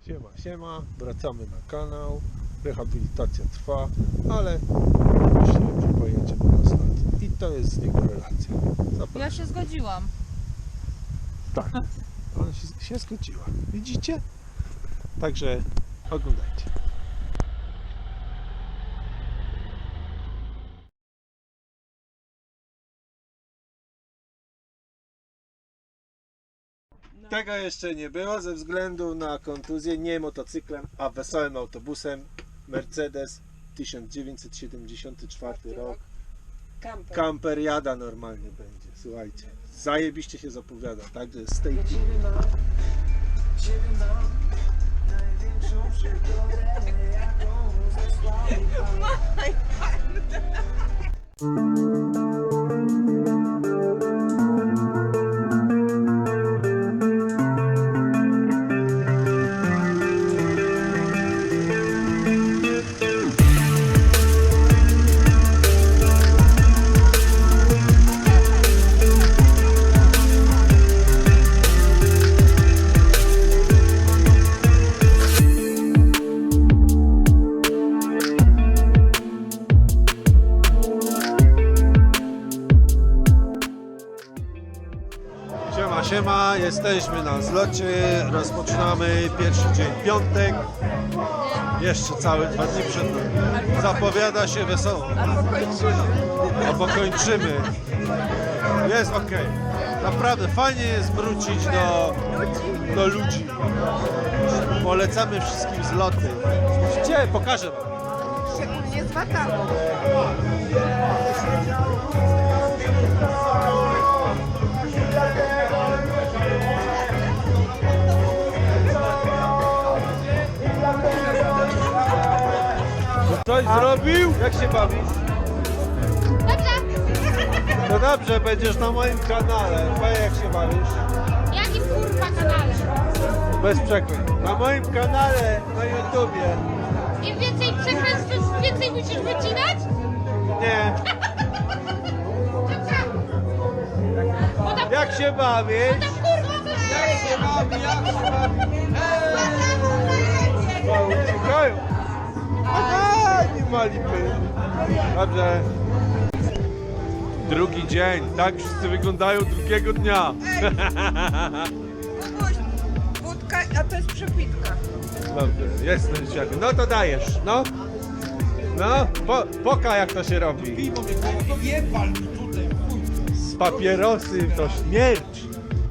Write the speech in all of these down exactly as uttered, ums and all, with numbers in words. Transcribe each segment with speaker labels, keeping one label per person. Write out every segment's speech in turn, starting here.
Speaker 1: Siema, siema, wracamy na kanał, rehabilitacja trwa, ale myślałem, że pojedziemy na stację i to jest z niego relacja. Zapraszam.
Speaker 2: Ja się zgodziłam.
Speaker 1: Tak, ona się, się zgodziła, widzicie? Także oglądajcie. Tego jeszcze nie było ze względu na kontuzję, nie motocyklem, a wesołym autobusem. Mercedes tysiąc dziewięćset siedemdziesiąty czwarty rok.
Speaker 3: Kamper.
Speaker 1: Kamper jada normalnie będzie, słuchajcie. Zajebiście się zapowiada, także z tej
Speaker 3: Ciebie mam, ciebie mam, największą przygodę, jaką zesłał mi Pan.
Speaker 1: Siema, siema, jesteśmy na zlocie, rozpoczynamy pierwszy dzień, piątek, jeszcze całe dwa dni przed nami. Zapowiada się wesoło,
Speaker 2: Albo kończymy.
Speaker 1: albo kończymy. Jest ok, naprawdę fajnie jest wrócić do, do ludzi. Polecamy wszystkim zloty. Gdzie? Pokażę wam.
Speaker 2: Szczególnie z Wataną.
Speaker 1: Coś zrobił? Jak się bawisz? No dobrze, będziesz na moim kanale. Powiedz, jak się bawisz?
Speaker 4: Jakim kurwa kanale?
Speaker 1: Bez przekleństw. Na moim kanale na YouTubie.
Speaker 4: Im więcej przekleństw, tym więcej musisz wycinać?
Speaker 1: Nie.
Speaker 4: Bo tam,
Speaker 1: Jak się bawisz?
Speaker 4: tam kurwa coś
Speaker 1: Jak się bawi? Jak się bawi? Eee! Uciekają. Aha, nie ma lipy. Dobrze. Drugi dzień. Tak wszyscy wyglądają drugiego dnia.
Speaker 2: Wódka, a to jest przepitka.
Speaker 1: Dobrze, jest ten świat. No to dajesz, no. No, po, poka jak to się robi. Z papierosy to śmierć.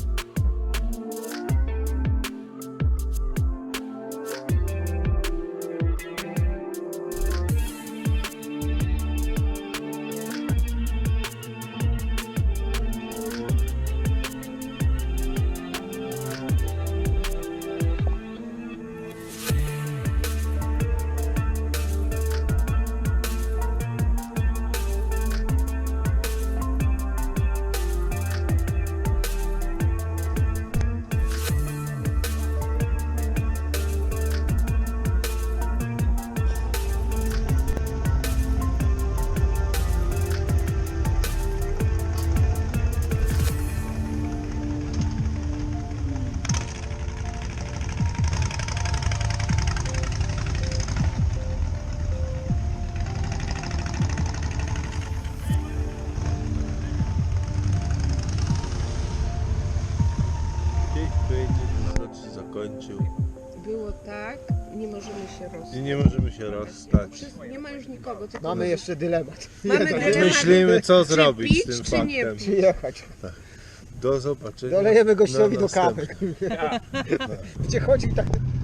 Speaker 1: Zakończył
Speaker 2: Było tak, nie możemy się rozstać.
Speaker 1: i nie możemy się rozstać.
Speaker 2: Nie ma już nikogo. Tylko
Speaker 5: Mamy jeszcze dylemat.
Speaker 2: Mamy dylemat.
Speaker 1: Myślimy, co
Speaker 2: Czy
Speaker 1: zrobić
Speaker 2: pić,
Speaker 1: z tym
Speaker 2: czy nie
Speaker 1: faktem.
Speaker 2: pić?
Speaker 5: Jechać.
Speaker 1: Do zobaczenia.
Speaker 5: Dolejemy gościowi
Speaker 1: na
Speaker 5: do kawy.
Speaker 1: następnym.
Speaker 5: Gdzie chodzi tak